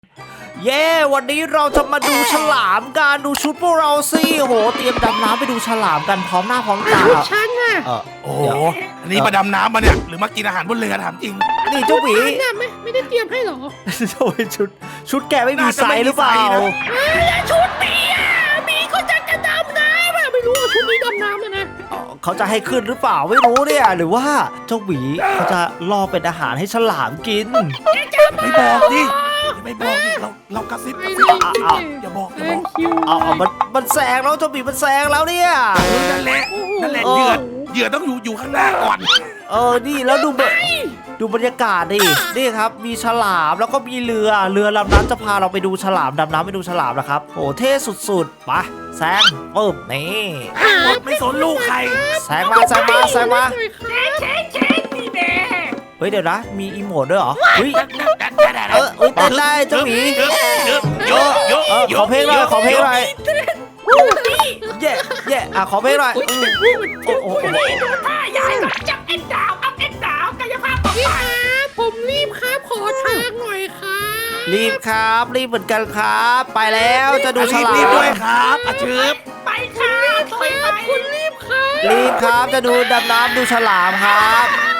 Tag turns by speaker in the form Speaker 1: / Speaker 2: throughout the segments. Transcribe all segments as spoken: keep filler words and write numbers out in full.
Speaker 1: เย้วันนี้เราจะมาดูฉลามกันดูชุดพวกเราสิโหเตรียมดำน้ำไปดูฉลามกันพร้อมหน้าพร้อมตา
Speaker 2: ฉันน่ะ
Speaker 1: เออ
Speaker 3: โอ้โหอันนี้มาดำน้ำมาเนี่ยหรือมากินอาหารบนเรือถามจริง
Speaker 1: นี่เจ้าหมี
Speaker 2: ฉันน่ะไม่ไม่ได้เตรียมให้หรอ
Speaker 1: โอ้ยชุดชุดแกไม่มีไซส์หรือเปล่า
Speaker 2: ชุดหมีอ่ะหมีเขาจะจะดำน้ำอ่ะไม่รู้ว่าชุดนี้ดำน้ำนะนะ
Speaker 1: เอ่อเขาจะให้ขึ้นหรือเปล่าไม่รู้เนี่ยหรือว่าเจ้าหมีเขาจะล่อเป็นอาหารให้ฉลามกิน
Speaker 3: ไม่บอกดิไม่บอกดิเราเรากระซิบกระซิบ
Speaker 1: เอา
Speaker 3: อย่าบอกอย่า
Speaker 2: แซ
Speaker 3: บอง ก
Speaker 2: คิว
Speaker 1: เอาเอามันมันแซงแล้วเจ้าหมีมันแซงแล้วเนี่ย
Speaker 3: เออนั่นแหละนั่นแหละเหยื่อเหยื่อต้องอยู่อยู่ข้างหน้าก่อน
Speaker 1: เออนี่แล้วดูบดูบรรยากาศดินี่ครับมีฉลามแล้วก็มีเรือเรือลำนั้นจะพาเราไปดูฉลามดำน้ำไปดูฉลามนะครับโอ้เท่สุดๆไปแซงปึ๊บนี่
Speaker 3: หมดไม่สนลูกใคร
Speaker 1: แซงมาแซงมาแซงมา
Speaker 2: เช็คเช็คนี่แน่
Speaker 1: เฮ้ยเดี๋ยวนะมีอีโมดด้วยเหรอเฮ้ย
Speaker 3: เอ
Speaker 1: เออเอ้ยเต้นได้เจ้าหมี
Speaker 3: เยอะเยอะเยอะ
Speaker 1: เออขอเพลงหน่อยขอเพลงหน่อยเย่เย่อ่ะขอเพลงหน่อยอืมโอ้โห
Speaker 2: ถ้ายายจับเอ็นดาวอัพเอ็นดาวกายภาพบำบัดผมรีบครับขอทางหน่อยครับ
Speaker 1: รีบครับรีบเหมือนกันครับ ไปแล้วจะดูฉลา
Speaker 3: รีบด้วย
Speaker 1: ม
Speaker 3: ครับอาชืบ
Speaker 2: ไปครับไปไปคุณรีบครับ
Speaker 1: รีบครับจะดูดำน้ำดูฉลามครับ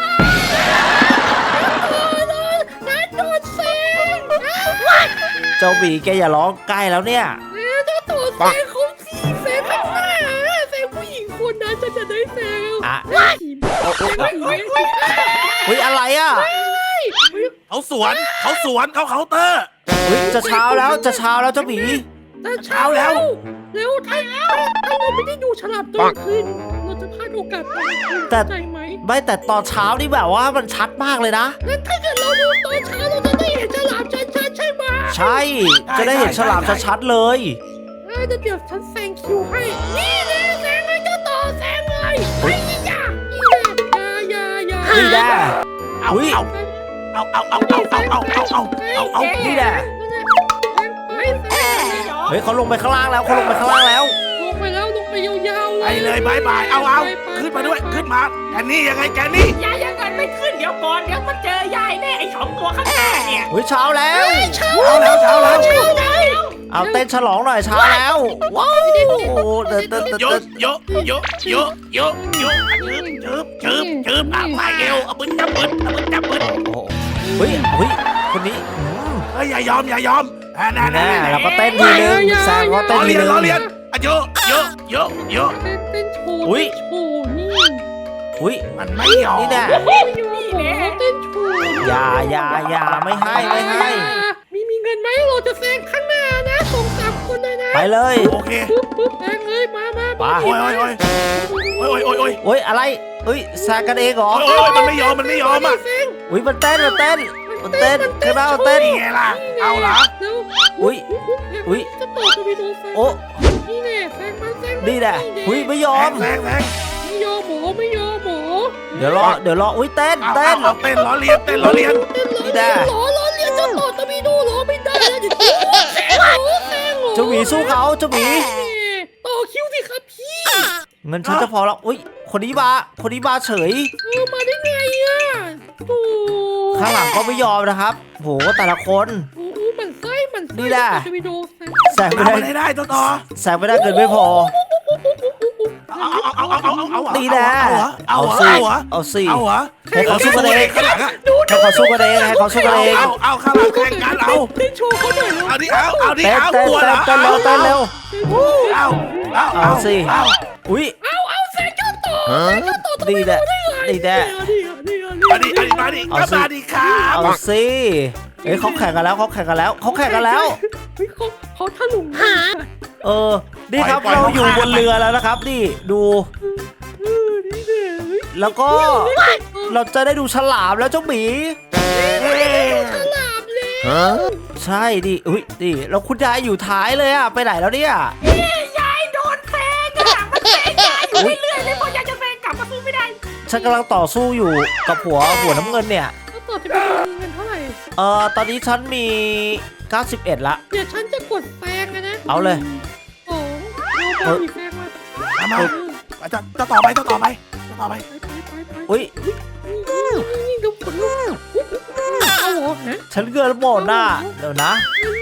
Speaker 2: นัดโดนเซ็ง
Speaker 1: เจ้าหมีแกอย่าร้องใกล้แล้วเนี่ย
Speaker 2: เจ้าตัวเซ็งเขาสีเซ็งข้างหน้าเซ็งผู้หญิงคนนั้นจะจะได้เซ็ง
Speaker 1: อ่ะ
Speaker 2: เซ็งผี
Speaker 1: โอ้โห
Speaker 2: เซ็งผี
Speaker 1: เฮ้ยอะไรอ่ะ
Speaker 3: เขาสวนเขาสวนเขาเคาน์เตอร์
Speaker 1: เฮ้ยจะเช้าแล้วจะเช้าแล้วเจ้าหมี
Speaker 2: แต่เช้าแล้วเร็วถ้าถ้าเราไม่ได้ดูฉลามตัวขึ้นเราจะพลาดโอกาสตอนคืนใจไหม
Speaker 1: ไม่แต่ตอนเช้านี่แบบว่ามันชัดมากเลยนะ
Speaker 2: งั้นถ้าเกิดเราดูตอนเช้าเราจะได้เห็นฉลามชัดๆใช่ไหม
Speaker 1: ใช่จะได้เห็นฉลามชัดๆเลย
Speaker 2: เดี๋ยวฉันแซงคิวให้ นี่เลยแซงเลยเจ้าต่อแซงเลยไอ้ยี่ยานี่แหละยายายา
Speaker 1: นี่แหละ
Speaker 3: เอา
Speaker 1: อุ๊ย
Speaker 3: เอาเอาเอาเอาเอาเอาเอาเอาเอาเอาเอา
Speaker 1: นี่แหละ
Speaker 2: ไปแซง
Speaker 1: เฮ้ยเขาลงไปข้างล่างแล้วเขาลงไปข้างล่างแล้ว
Speaker 2: ลงไปแล้วลงไปยาวๆ
Speaker 3: ไปเลยบายบายเอาเอาขึ้นมาด้วยขึ้นมาแกนี่ยังไงแกนี่
Speaker 4: ยายยังไงไม่ขึ้นเดี๋ยวก่อนเดี๋ยวมาเจอยายแน่ไอ้สองตัวข้างหน้าเนี่ย
Speaker 1: เฮ้ยเช้าแล้ว
Speaker 2: เช้า
Speaker 3: เอาแล้วเช้าแล้ว
Speaker 2: เช้าได้
Speaker 1: เอาเต้นฉลองหน่อยเช้าแล้วว้าวเต้นเต้นเต้น
Speaker 3: เยอะ
Speaker 1: เต้น
Speaker 3: เยอะเยอะเยอะเยอะเยอะชืบชืบชืบอ่ะมาเอวเอาบึ้นจับบึ้นเอาบึ้นจับบึ้น
Speaker 1: โอ้โหเฮ้ยเฮ้ยคนนี้อืม
Speaker 3: เฮ้ยอย่ายอมอย่ายอมอ่านั่น
Speaker 1: แน่
Speaker 3: นั่น
Speaker 1: เราก็เต้นทีนึงแซงก็
Speaker 3: ล้
Speaker 1: เต้น
Speaker 3: อ
Speaker 1: ที
Speaker 3: เลียน
Speaker 1: นึง
Speaker 3: ล้อเลียนอ่ะเยอะเยอะเยอะเยอะ
Speaker 2: เต้นเต้นโชว์
Speaker 1: อุ๊ย
Speaker 2: โชว์นี่
Speaker 1: อุ้ย
Speaker 3: มันไม่ยอม
Speaker 1: นี่แน่
Speaker 2: ไม่ยอมหมอเต้นโชว์
Speaker 1: อย่าอย่าอย่าไม่ให้ไม่ให้
Speaker 2: มีมีเงินไหมเราจะแซงข้างหน้านะสองสามคนเลยนะ
Speaker 1: ไปเลย
Speaker 3: โอเค
Speaker 2: ปึ๊บปึ๊บแซงเลยมามา
Speaker 1: ไป
Speaker 3: โอ้ยโอ้ยโอ้ยโอ้ยโอ้ยโอ้ย
Speaker 1: โอ้ยอะไรเอ้ยแซงกันเองเหรอ
Speaker 3: โอ้ยมันไม่ยอมมันไม่ยอมอ่ะ
Speaker 2: แซง
Speaker 1: อุ้ยมันเต้นมันเต้นมันเต้นข้างหน้ามันเต้น
Speaker 3: นี่ไงล่ะเอาเหรอ
Speaker 2: เร็ว
Speaker 1: อุ๊ยอุ๊ย
Speaker 2: จะต่อจะไปดูแซง
Speaker 1: โอ้
Speaker 2: นี่แน่แซงมันแซงมั
Speaker 1: นี่แหละอุ้ยไม่ยอ
Speaker 3: แซ
Speaker 1: ม
Speaker 3: งแซงแซง
Speaker 2: ไม่ยอมหมอไม่ยอมหมอ
Speaker 1: เดี๋ยวรอเดี๋ยวรออุ้ยเต้น
Speaker 3: เอา
Speaker 1: เต้น
Speaker 3: เอาเต้นล้อเลียนเต้นล้อเลียน
Speaker 1: นี่แน่
Speaker 2: หรอหรอเรียนจะต่อจะไปดูหรอไม่ได้แล้วเดี๋ยวแซงหรอแซงหรอ
Speaker 1: เจ้าหมีสู้เขาเจ้าหมี
Speaker 2: ต่อคิวสิครับพี่
Speaker 1: เงินฉันจะพอแล้วอุ้ยคนนี้มาคนนี้มาเฉย
Speaker 2: เออมาได้ไงอ่ะโอ้
Speaker 1: ข้างหลังก็ไม่ยอมนะครับโหแต่ละคน
Speaker 2: โหมันไส้มันไส้
Speaker 1: นี่แหละ
Speaker 2: จะไปดูแซง
Speaker 1: แซงไม่
Speaker 3: เอา
Speaker 1: ได้
Speaker 3: ไปได้ต่อต่อ
Speaker 1: แซงไม่ได้เกินไม่พอ
Speaker 3: เอาเอาเอาเอาเอาเอา
Speaker 1: นี่แหละ
Speaker 3: เอาเหรอ
Speaker 1: สิ
Speaker 3: เอาเหรอ
Speaker 1: เอาสิ
Speaker 3: เอาเหรอ
Speaker 1: ให้เขาสู้กันเอง
Speaker 3: ข้างหลังอะ
Speaker 1: ให้เขาสู้กันเองให้เขาสู้กันเอง
Speaker 3: เอาเอาข้างหลังแข่งกันเอา
Speaker 2: เต้นโชว์เขาหน่อย
Speaker 3: เอาดิเอาเอาดิ
Speaker 1: เต้น
Speaker 3: เอา
Speaker 1: เต้น
Speaker 3: กลัวเหร
Speaker 1: เต้
Speaker 3: อน
Speaker 1: เต้นเร็วเต้นเร็ว
Speaker 3: เอาเอา
Speaker 1: เอาสิ
Speaker 3: เอา
Speaker 1: อุ้ย
Speaker 2: เอาเอาแซงเจ้าต่อเจ้าต่อ
Speaker 1: ดีแหละดีแหละ
Speaker 3: มาดิมาดิมาดิก็มาดิครับ
Speaker 1: เอาสิเอ้ยเขาแข่งกันแล้วเขาแข่งกันแล้วเขาแข่งกันแล้ว
Speaker 2: เฮ้ยเขาเขาถลุงหา
Speaker 1: เออ นี่ครับเราอยู่บนเรือแล้วนะครับ นี่ดู
Speaker 2: เออนี่เนี่ยเฮ้ย
Speaker 1: แล้วก็เราจะได้ดูฉลามแล้วเจ้าหมี
Speaker 2: ฉลามเลย
Speaker 1: ใช่ดิอุ้ยดิแล้วคุณยายอยู่ท้ายเลยอะไปไหนแล้วเนี่ย
Speaker 4: ยายโดนแซงกระหลังมันแซงยายอยู่เรื่อยๆเลยเพราะยายจะแซงกลับมาสู้ไม่ได้
Speaker 1: ฉันกำลังต่อสู้อยู่กับหัวหัวน้ำเงินเนี่ย
Speaker 2: แล้วต่อจะไปดูเงินเท่าไหร่
Speaker 1: เออตอนนี้ฉันมีเก้าสิบเอ็ดละ
Speaker 2: เดี๋ยวฉันจะกดแซงนะ
Speaker 1: เอาเลย
Speaker 2: สองเอาไปแซงมา
Speaker 3: เอามาจะจะต่อไปจะต่อไปจะต่อไป
Speaker 2: ไปไปไปไป
Speaker 1: อุ้ย
Speaker 2: นี่นี่ดูผลลูกเอาเหรอฮะ
Speaker 1: ฉันเกินหมดน่ะเดี๋ยวนะ
Speaker 2: เงิน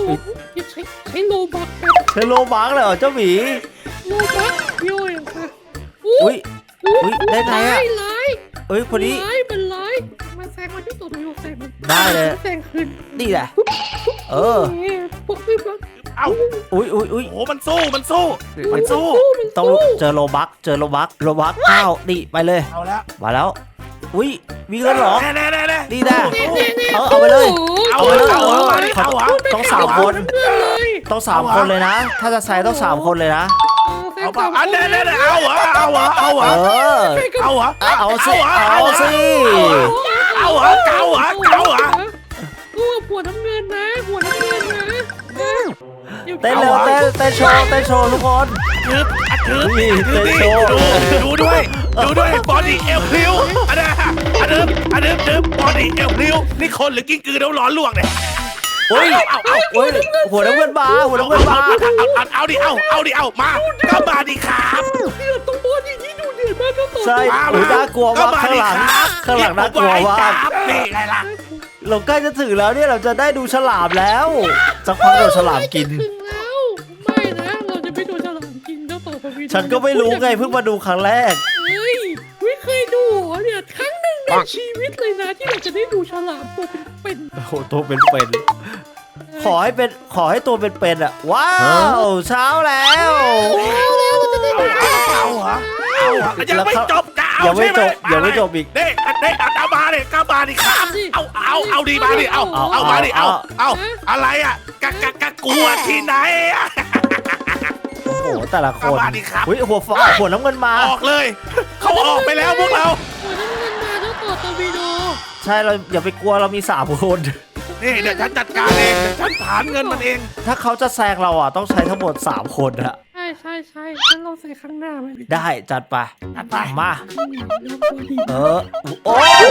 Speaker 2: อย่าใช้ใช้โลบักแบบ
Speaker 1: เธอโลบังเลยเหรอเจ้าหมี
Speaker 2: โลบักเดียวเองค่ะ
Speaker 1: อุ้ย อุ๊ยได้ไงอะ
Speaker 2: ร้าย
Speaker 1: เอ้ยคนนี้
Speaker 2: ร้ายมันร้ายมันแซงมันที่ตัวโดยแซงมัน
Speaker 1: ได้เลย
Speaker 2: แซงคืน
Speaker 1: นี่แหละ เออ
Speaker 2: ปุ๊บปุ๊บปุ๊บ
Speaker 3: เอ้า
Speaker 1: อุ้ยอุ้ยอุ้ย
Speaker 3: โอ้มันสู้มันสู้มันสู้
Speaker 2: มัน
Speaker 1: ต้อง
Speaker 2: สู้
Speaker 1: เจอโลบักเจอโลบักโลบักข้าวนี่ไปเลย
Speaker 3: เอาแล้ว
Speaker 1: มาแล้ว อุ้ยมีเงินเหรอ
Speaker 3: แน่แน่แน่แน่
Speaker 1: นี่แน่
Speaker 3: สู้
Speaker 1: เออเอาไปเลย
Speaker 3: เอา
Speaker 1: เอาไปเลย
Speaker 3: เอา
Speaker 1: เออ
Speaker 3: เอาดิเอาเหรอ
Speaker 1: ต้องสามคน
Speaker 2: เพื่อนเลย
Speaker 1: ต้องสามคนเลยนะ ถ้าจะใส่ต้องสามคนเลยนะ
Speaker 2: แซ
Speaker 3: เอา
Speaker 2: ง
Speaker 3: เปล่า
Speaker 2: สาม
Speaker 3: อัน
Speaker 2: ค
Speaker 3: แน่
Speaker 2: น
Speaker 3: แน่แน่เอาเหรอเอาเหรอเอาเหร
Speaker 1: เอ
Speaker 3: อ
Speaker 1: อ
Speaker 3: เอาเหรอ
Speaker 1: เอาสิ
Speaker 3: เหร
Speaker 1: เอาสิ
Speaker 3: เอาเหรอเก่าเหรอเก่าเหรอ
Speaker 2: กูหัวน้ำเงินนะหัวน้ำเงินนะดี๋ยว
Speaker 1: เต้นเร็วเต้นเต้นโชว์เต้นโชว์ทุกคน
Speaker 3: ทึบอัดทึบ
Speaker 1: นี่
Speaker 3: ทึบ
Speaker 1: เต้น
Speaker 3: นี่
Speaker 1: โชว์
Speaker 3: ดูดูด้วยดูด้วยบอดี้เอลพริ้วอันนั้นอันนั้นอันนั้นทึบบอดี้เอลพริ้วนี่คนหรือกิ้งกือเดี๋ยวร้อนลวกเนี่ย
Speaker 1: อุ้ย
Speaker 3: เอาเอา
Speaker 1: อุ้ยหัวน้ำเงินมาหัวน้ำเงินมา
Speaker 3: เอาเอาเอาดิเอาเอาดิเอามาก็มาดิครับ
Speaker 2: เดือดตรงบอลอย่างนี้ดูเดือดมากก็ต่อ
Speaker 1: ใช่
Speaker 3: มา
Speaker 1: อุ้ยน่ากลัวมากข้างหลังข้างหลังน่ากลัวมาก
Speaker 3: นี่ไงล่ะ
Speaker 1: เราใกล้จะถึงแล้วเนี่ยเราจะได้ดูฉลามแล้วสักพักเราฉลามกิน
Speaker 2: ถึงแล้วไม่นะเราจะไม่โดนฉลามกินเจ้าต่อทวี
Speaker 1: ฉันก็ไม่รู้ไงเพิ่งมาดูครั้งแรก
Speaker 2: เฮ้ยไม่เคยดูเหรอเนี่ยครั้งหนึ่งในชีวิตเลยนะที่เราจะได้ดูฉลามตัวเป็น
Speaker 1: โอ้โหตัวเป็นๆขอให้เป็นขอให้ตัวเป็นๆอ่ะว้าวเช้าแล้ว
Speaker 2: ๆแล้วแล้วเราจะได้ดู
Speaker 3: เอาเหรอเอาเหรอยังไม่จบจะเอา
Speaker 1: ยังไม่
Speaker 3: ใช่ไหม
Speaker 1: จบยังไม่จบอีก
Speaker 3: เด้อันเด้อันเอามาเลยก้ามาดิครับเอาเอาเอาดีมาดิเอาเอามาดิเอาเอาอะไรอ่ะกะกะกะกลัวที่ไหนอ่ะ
Speaker 1: โอ้โหแต่ละคน
Speaker 3: เอามาดิครับ
Speaker 1: อุ้ยหัวฟ้าหัวน้ำเงินมา
Speaker 3: ออกเลย เขาออกไปแล้วพวกเรา
Speaker 2: หัวน้ำเงินมาเจ้าต่อทวีโด
Speaker 1: ใช่เราอย่าไปกลัวเรามีสามคน
Speaker 3: นี่เดี๋ยวฉันจัดการเองเดี๋ยวฉันฐานเงินมันเอง
Speaker 1: ถ้าเขาจะแซงเราอ่ะต้องใช้ทั้งหมดสามคนอะ
Speaker 2: ใช่ใช่ใช่งั้นเราใส่ข้างหน้าไหม
Speaker 1: ได้จัดไป
Speaker 3: จัดไป
Speaker 1: มา
Speaker 2: แล้วพอดี
Speaker 1: เออโอ้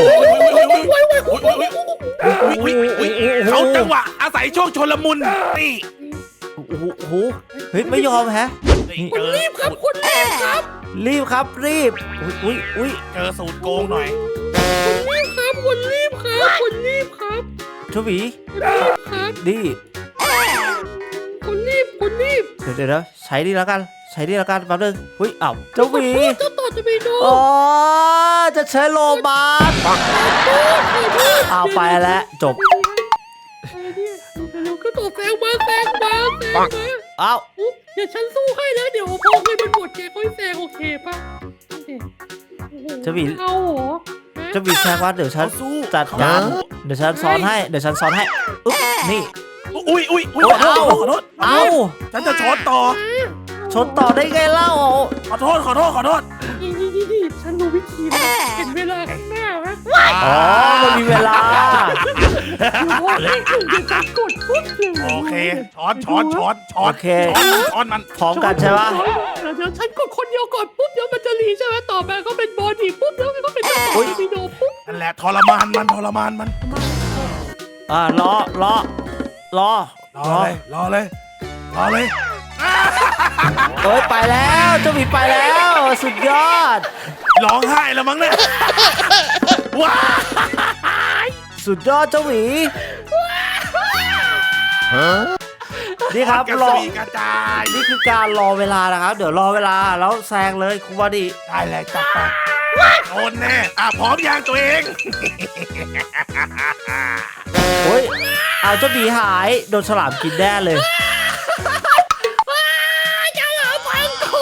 Speaker 3: เขาจังหวะอาศัยช่วงชลมุนนี่
Speaker 1: โหโอ้โหเฮ้ยไม่ยอมแฮะ
Speaker 2: คนรีบครับคนรีบครับ
Speaker 1: รีบครับรีบอุ้ยอุ้ย
Speaker 3: เจอสูตรโกงหน่อย
Speaker 2: คนรีบครับคนรีบครับคนรีบครับ
Speaker 1: ชวี
Speaker 2: คนรีบครับ
Speaker 1: ดี
Speaker 2: คนรีบคนรีบ
Speaker 1: เดี๋ยวเดี๋ยวนะใช้ดีแล้วกัน ใช้ดีแล้วกันแป๊บนึงอุ้ยอ้าวเจ้าหวี
Speaker 2: เจ้าต่อจะไปดู
Speaker 1: อ๋อจะใช้โลมาสเอาไปแล้วจบ
Speaker 2: เดี๋ยวก็ต่อแซงมาแซงมาแซงมา
Speaker 1: อ้าว
Speaker 2: เดี๋ยวฉันสู้ให้แล้วเดี๋ยวพอเงินมันหมดแกค่อยแซงโอเคป่ะเจ้าหเหรอ
Speaker 1: เจ้าหวีแซงว่าเดี๋ยวฉัน
Speaker 3: เขาสู้
Speaker 1: จัดการเดี๋ยวฉันซ้อนให้เดี๋ยวฉันซ้อนให้อุ๊บนี่
Speaker 3: อุ้ยอุ้ยอุ้ย
Speaker 1: โอ้
Speaker 3: ขอโทษ
Speaker 1: เอ้า
Speaker 3: ขอโทษ
Speaker 1: เอ้า
Speaker 3: ฉันจะชนต่อ
Speaker 1: ชนต่อได้ไงเล่า
Speaker 3: ขอโทษขอโทษขอโทษ
Speaker 2: นี่นี่นี่นี่ฉันรู้วิธีแล้วเห็นเวลาข้างหน้าไหม
Speaker 1: อ๋อมันมีเวลา
Speaker 2: เดี๋ยวพอให้ถึงเดี๋ยวฉันกดปุ๊บเลย
Speaker 3: โอเคช้อนช้อนช้อนช้อน
Speaker 1: โอเค
Speaker 3: ช้อนช้อนมัน
Speaker 1: พร้อมกันใช่ปะ
Speaker 2: เดี๋ยวฉันกดคนเดียวก่อนปุ๊บเดี๋ยวมันจะรีใช่ไหมต่อไปก็เป็นบอดี้ปุ๊บแล้วมันก็เป็นเจ้าต่อวิดีโอปุ๊บ
Speaker 3: นั่นแหละทรมานมันทรมานมัน
Speaker 1: อ่ารอรอรอ
Speaker 3: รอเลยรอเลยรอเลย
Speaker 1: เอ้ยไปแล้วเจ้าหมีไปแล้วสุดยอด
Speaker 3: ร้องไห้แล้วมั้งเนี่ยว้า
Speaker 1: สุดยอดเจ้าหมีนี่ครับ
Speaker 3: กระ
Speaker 1: รอ
Speaker 3: สีกระจาย
Speaker 1: นี่คือการรอเวลานะครับ เดี๋ยวรอเวลาแล้วแซงเลยคุณบอดี้
Speaker 3: ได้เลยจัดไปโดนแน่อ่ะพร้อมยางตัวเอง
Speaker 1: โอ้ยเอาเจ้าหมีหายโดนฉลามกินแน่เลย
Speaker 2: อย่าหาฟังกู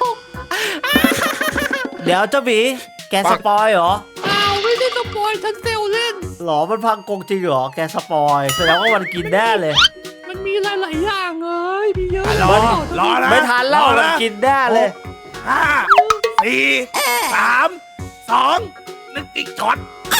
Speaker 1: เดี๋ยวเจ้าหมีแกสปอยเหรอ
Speaker 2: เปล่าไม่ได้สปอยฉันเซลเล่น
Speaker 1: หรอมันพังกงจริงเหรอแกสปอยแสดงว่ามันกินแน่เลย
Speaker 2: มันมีหลาย ๆ อย่างเลยมีเยอะ
Speaker 3: รอรอนะ
Speaker 1: ไม่ทันแล้ว
Speaker 3: รอ
Speaker 1: มัน
Speaker 3: นะ
Speaker 1: กินแน่เลย
Speaker 3: ห้าสี่สามสองนึกอีกช็อต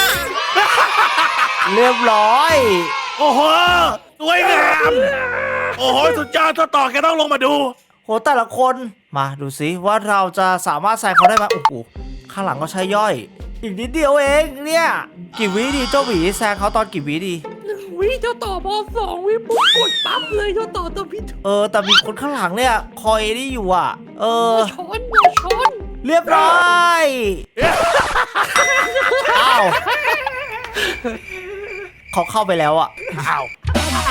Speaker 1: เรียบร้อย
Speaker 3: โอ้โหสวยงามโอ้โหสุดยอดต่อแกต้องลงมาดู
Speaker 1: โหแต่ละคนมาดูสิว่าเราจะสามารถแซงเขาได้ไหมโอ้โหข้างหลังก็ใช้ย่อย อีกนิดเดียวเองเนี่ยกี่วิดีเจ้าหวีแซงเขาตอนกี่วิดี
Speaker 2: หนึ่งวิเจ้าต่อบอสองวิปุ๊บกดปั๊บเลยเจ้าต่อตัวพิษ
Speaker 1: เออแต่มีคนข้างหลังเนี่ยคอยนี่อยู่อ่ะ เออ
Speaker 2: ช้อนอย่าช้อน
Speaker 1: เรียบร้อยอ้าวเขาเข้าไปแล้วอ่ะ
Speaker 3: อ้าว
Speaker 2: ต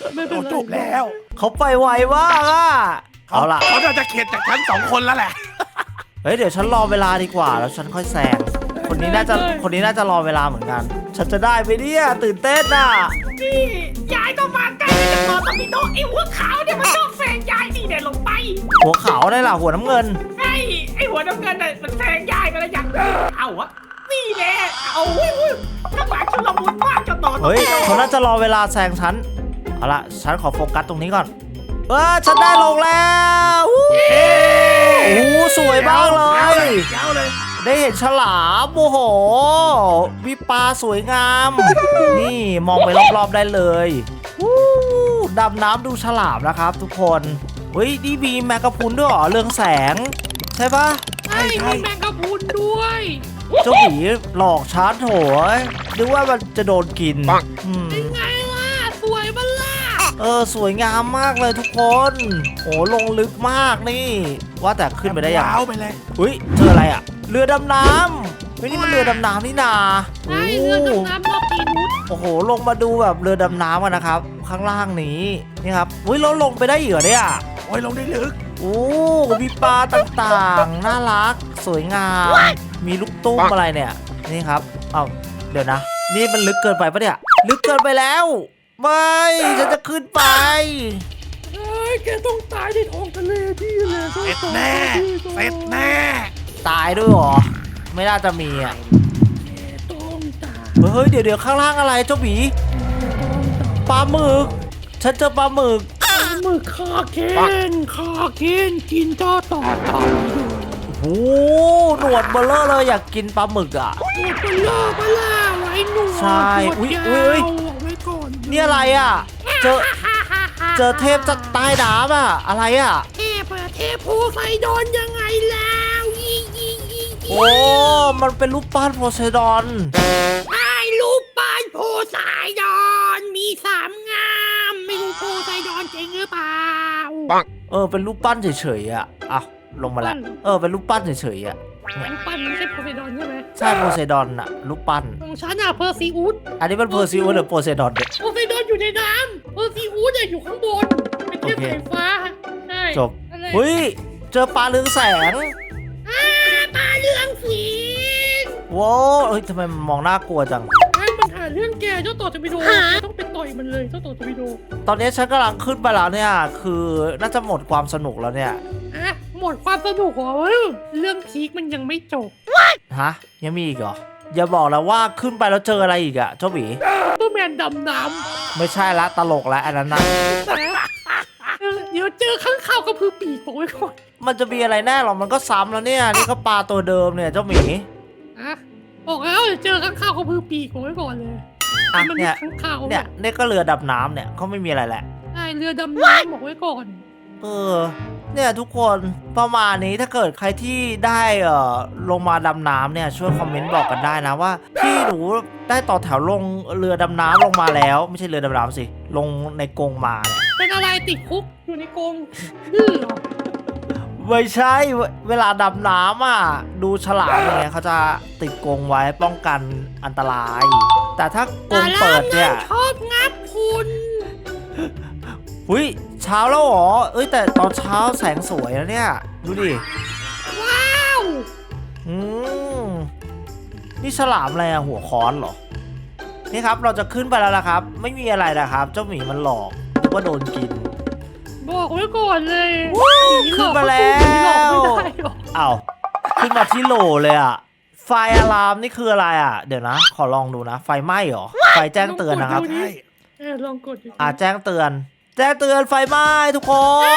Speaker 2: ไม่เป็นไร
Speaker 3: จบแล้ว
Speaker 1: เขาไปไวมากอ่ะเอาล่ะ
Speaker 3: เขาจะเข็ดจากฉันสองคนแล้วแหละ
Speaker 1: เฮ้ยเดี๋ยวฉันรอเวลาดีกว่าแล้วฉันค่อยแซงคนนี้น่าจะคนนี้น่าจะรอเวลาเหมือนกัน ฉันจะได้ไหมเนี่ยตื่นเต้นอ่ะ
Speaker 4: นี่ยายต้องมาใกล้จะต่อตะมีโดไอ้หัวขาวเนี่ยมันชอบแซงยายนี่เนี่ยลงไป
Speaker 1: หัวขาวได้ล่ะหัวน้ำเงิน
Speaker 4: ไอ้ไอ้หัวน้ำเงินน่ะมันแซงยายไปแล้วยังเอาวะนี่แน่เอาอุ้ยอุ้ยข้างหลังชุลมุนมากจะต่อตะ
Speaker 1: เฮ้ย
Speaker 4: มีโด
Speaker 1: เขาน่าจะรอเวลาแซงฉันเอาล่ะฉันขอโฟกัสตรงนี้ก่อนเออฉันได้ลงแล้ววู้โอ้โหสวยมากเลย
Speaker 3: ยาวเลย
Speaker 1: ได้เห็นฉลามโอ้โหมีปลาสวยงาม นี่มองไปรอบๆได้เลยวู้ดำน้ำดูฉลามนะครับทุกคนเฮ้ยนี่มีแมกกาพรุนด้วยเหรอเรืองแสง ใช่ปะ
Speaker 2: ใช่มีแมงกะพรุนด้วย
Speaker 1: เจ้าหมีหลอกชาร์จโถยนึกว่ามันจะโดนกินอืม
Speaker 2: เป็นไงล่ะสวยมันล่ะ
Speaker 1: เออสวยงามมากเลยทุกคนโอ้ลงลึกมากนี่ ว่าแต่ขึ้นไปได้ยัง
Speaker 3: ยาวไปเลย
Speaker 1: อุ้ยเจออะไรอ่ะ เรือดำน้ำเฮ้ยนี่มันเรือดำน้ำนี่นา
Speaker 2: ใช่เรือดำน้ำรอบปีนุช
Speaker 1: โอ้โหลงมาดูแบบเรือดำน้ำกันนะครับ ข้างล่างนี้นี่ครับอุ้ยเราลงไปได้เหรอเนี่ย
Speaker 3: โอ้ยลงได้ลึก
Speaker 1: โอ้มีปลาต่างๆ น่ารัก สวยงาม มีลูกตุ้มอะไรเนี่ย นี่ครับ เอ้า เดี๋ยวนะ นี่มันลึกเกินไปปะเนี่ย ลึกเกินไปแล้ว ไม่ ฉันจะขึ้นไป
Speaker 2: เอ้ยแกต้องตายในท้องทะเลพี่เลย
Speaker 3: เสร็จแน่เสร็จแน่
Speaker 1: ตายด้วยเหรอ ไม่น่าจะมีอ่ะ
Speaker 2: ต้องตาย
Speaker 1: เฮ้ย เดี๋ยวเดี๋ยวข้างล่างอะไรเจ้าหมีปลาหมึก ฉันเจอปลาหมึก
Speaker 2: มือคาเคนคาเคนกินต่อต่อต่อ
Speaker 1: โอ้โหหนวดเบลเลอร์เลยอยากกินปลาหมึกอ่ะ
Speaker 2: หนวดเป็นล่าปลาไว้หนวด
Speaker 1: ใช่
Speaker 2: หนวด
Speaker 1: อุ๊ย
Speaker 2: ยาว
Speaker 1: อุ๊ย
Speaker 2: เอาไว้ก่อน
Speaker 1: นี่อะไรอ่ะ เจอ เจอเทพจากใต้น้ำอ่ะ อะไรอ่ะ
Speaker 2: เทพอะเทพโพไซดอนยังไงแล้วยี่ยี่ยี่
Speaker 1: โอ้ มันเป็นรูปปั้นโพไซดอน
Speaker 2: ไอ้ลูกปั้นโพไซดอนมีสามงามไม่รู้โพไซดอนจริงหรือเปล่า
Speaker 1: เออ เป็นรูปปั้นเฉยๆอ่ะอ่ะลงมาแล้ว เออ เป็นรูปปั้นเฉยๆอ่ะ
Speaker 2: ลูกปั้นไม่ใช่โพไซดอนใช่ไหม
Speaker 1: ใช่โพไซดอนอ่ะ รูปปั้น
Speaker 2: ของฉันอะเพอร์ซิอุส
Speaker 1: อันนี้มันเพอร์ซิวหรือโพไซดอนเนี่ย
Speaker 2: โพไซดอนอยู่ในน้ำเพอร์ซิอุสอะอยู่ข้างบนเป็นเทพ
Speaker 1: โอเค
Speaker 2: สายฟ้าใช่
Speaker 1: จบ
Speaker 2: อะไร
Speaker 1: เฮ้ย เจอปลาเรืองแสง
Speaker 2: อ่าปลาเรืองสี
Speaker 1: ว้าว เฮ้ยทำไมมันมองน่ากลัวจัง
Speaker 2: ไอ้มันหาเรื่องแกเจ้าต่อจะไปโดต้องไปต่อยมันเลยเจ้าต่อจะไปโด
Speaker 1: ตอนนี้ฉันกำลังขึ้นไปแล้วเนี่ย คือน่าจะหมดความสนุกแล้วเนี่ย
Speaker 2: อ่ะหมดความสนุกเหรอเรื่องพีคมันยังไม่จบ
Speaker 1: ฮะ ยังมีอีกเหรอ อย่าบอกแล้วว่าขึ้นไปแล้วเจออะไรอีกอะเจ้าหมี
Speaker 2: เปอร์แมนดำน้
Speaker 1: ไม่ใช่ละตลกแล้วอันนั้นนะ
Speaker 2: ำนะเออเดี๋ยวเจอข้างข่าวกระพือปีกบอกไว้ก่อน
Speaker 1: มันจะมีอะไรแน่หรอ มันก็ซ้ำแล้วเนี่ย นี่ก็ปลาตัวเดิมเนี่ยเจ้าหมี
Speaker 2: อ่ะบอกแล้วเดี๋ยวเจอข้างข่าวกระพือปีกบอกไว้ก่อนเลย
Speaker 1: อ่ะ
Speaker 2: มันมี
Speaker 1: เนี่ย
Speaker 2: ข้างข่าว
Speaker 1: เนี่ยนี่ก็เรือดำน้ำเนี่ยเขาไม่มีอะไรแหละ
Speaker 2: ใช่เรือดำน้ำบอกไว้ก่อน
Speaker 1: เออ เนี่ยทุกคนประมาณนี้ถ้าเกิดใครที่ได้เอ่อลงมาดำน้ำเนี่ยช่วยคอมเมนต์บอกกันได้นะว่าพี่หนูได้ต่อแถวลงเรือดำน้ำลงมาแล้ว ไม่ใช่เรือดำน้ำสิ ลงในกรงมาเนี่ย
Speaker 2: เป็นอะไรติดคุกอยู่ในกรงดื้อเหรอ
Speaker 1: ไม่ใช่เวเวลาดำน้ำอ่ะดูฉลามอย่างเงี้ยเขาจะติดกรงไว้ป้องกันอันตราย แต่ถ้ากรงเปิดเนี่ย
Speaker 2: ชอบงับคุณ
Speaker 1: หุยเช้าแล้วเหรอ เอ้ยแต่ตอนเช้าแสงสวยนะเนี่ย ดูดิ
Speaker 2: ว้าว
Speaker 1: อืมนี่ฉลามอะไรอะหัวค้อนเหรอ นี่ครับเราจะขึ้นไปแล้วนะครับ ไม่มีอะไรนะครับ เจ้าหมีมันหลอกนึกว่าโดนกิน
Speaker 2: บอกไว้ก่อนเลย
Speaker 1: ขึ้นมาแล้ว
Speaker 2: หลอกไม่ได้หรอก
Speaker 1: อ้าวขึ้นมาที่โหลเลยอะไฟอะลามนี่คืออะไรอะเดี๋ยวนะ ขอลองดูนะ ไฟไหม้เหรอ ไฟแจ้งเตือนนะครับ
Speaker 3: ใช่
Speaker 2: เออลองกดดู
Speaker 1: อ่าแจ้งเตือน แจ้งเตือนไฟไหม้ทุกคน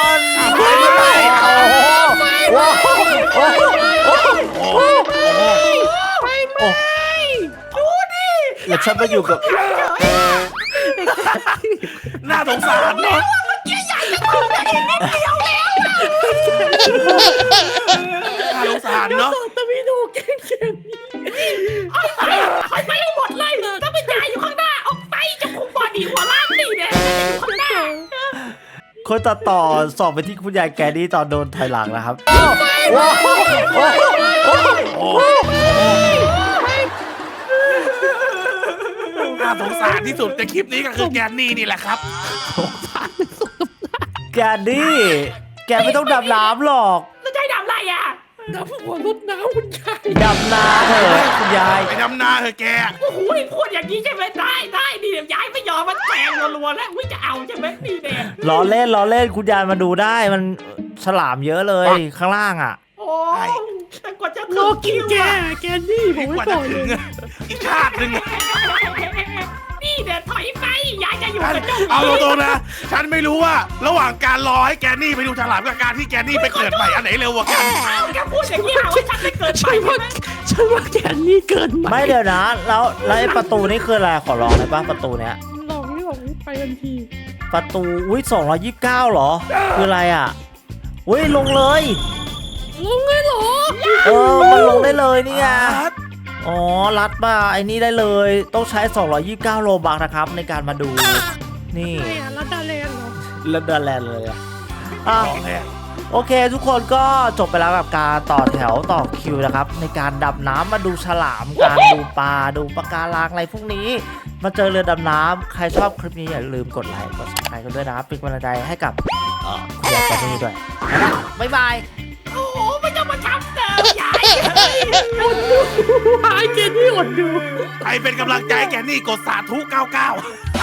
Speaker 3: ไฟไหม้
Speaker 1: โอ้โหโอ้โหโอ้โห
Speaker 3: โอ้โห
Speaker 2: ไฟไหม้
Speaker 1: โอ้ดูดิแล้วฉันมาอยู่กับ
Speaker 3: น่าสงสารเนาะน่าสงสารเนาะ
Speaker 2: ต่อตะวิโดเก่งเก่ง
Speaker 4: ไฟไหม้หมดเลยถ้าเป็นยายอยู่ข้างหน้าเอาไปจะคุมบอดีหัวล่างนี่เนี่ยอยู่ข้างหน้า
Speaker 1: คนตัดต่อสอบไปที่คุณยายแกนี่ตอนโดนถอยหลังนะครับว้าวโอ้โห
Speaker 3: โอ้
Speaker 1: ไฟ
Speaker 3: น่าสงสารที่สุดในคลิปนี้ก็คือแกนนี่นี่แหละครับ
Speaker 1: แกนดี้แกไม่ต้องดำน้ำหรอก
Speaker 4: แล้วจะให้ทำอะไรอ่ะ
Speaker 2: น้ำหัวรถน้ำคุณยาย
Speaker 1: ดำนาเถอะคุณยาย
Speaker 3: ไปดำนาเถอะแก
Speaker 4: โอ้โหพูดอย่างนี้ใช่ไหมได้ได้ดีเดี๋ยวยายไม่ยอมมันแทงรัวๆแล้วอุ้ยจะเอาใช่ไหมดีเด่น
Speaker 1: ล้อเล่นล้อเล่นคุณยายมาดูได้มันฉลามเยอะเลยข้างล่างอ่ะ
Speaker 4: โอ้ยแต่กว่าจะ
Speaker 2: รอกินแกแกนี่ผม
Speaker 3: ก
Speaker 2: ไม่
Speaker 3: ว่า
Speaker 2: บ
Speaker 3: จะ
Speaker 2: อกเล
Speaker 3: ถึ
Speaker 2: ย
Speaker 3: งอะอีกชาติหนึ่งอะ
Speaker 4: นี่เดี๋ยวถอยไปยายจะอยู่
Speaker 3: ฉัน
Speaker 4: กับเจ้า
Speaker 3: เอาตรงๆนะ ฉันไม่รู้ว่าระหว่างการรอให้แกนนี่ไปดูฉลามกับการที่แกนนี่ไปเกิดใหม่อันไหนเร็วกว่ากัน
Speaker 4: แกพูดอย่างนี้เอาว่าฉันไม่เกิดไป
Speaker 2: ฉันว่าฉันว่าแกนี่เกิน
Speaker 1: ไม่เดี๋ยวนะแล้วแล้วไอ้ประตูนี่คืออะไรขอลองได้ปะประตูเนี้ย
Speaker 2: ลองนี่ลองนี่ไปทันที
Speaker 1: ประตูอุ้ยสองร้อยยี่สิบเก้าหรอคืออะไรอ่ะอุ้ยลงเลย
Speaker 2: ลงเลยเหรอ
Speaker 1: เออมันลงได้เลยนี่ไงอ๋อรัดมาไอ้นี่ได้เลยต้องใช้สองร้อยยี่สิบเก้าโลบักนะครับในการมาดูนี่
Speaker 2: ใช่อะรัดดาแลนด์เหรอ
Speaker 1: แล้วเดินแลนเลยอะอ่ะ
Speaker 3: ของแท้
Speaker 1: โอเค ทุกคนก็จบไปแล้วกับการต่อแถวต่อคิวนะครับ ในการดำน้ำมาดูฉลามการดูปลาดูปะการังอะไรพวกนี้ มาเจอเรือดำน้ำใครชอบคลิปนี้อย่าลืมกดไลค์กดซับสไครต์กันด้วยนะครับเป็นกำลังใจให้กับเอ่อคุณยายแกนนี่ด้วยนะบ๊ายบาย
Speaker 4: โอ้โหไม่ต้องมาทำเติมยาย
Speaker 2: อดดูหายแกนี่อดดู
Speaker 3: ใครเป็นกำลังใจให้แกนนี่กดสาธุเก้าเก้า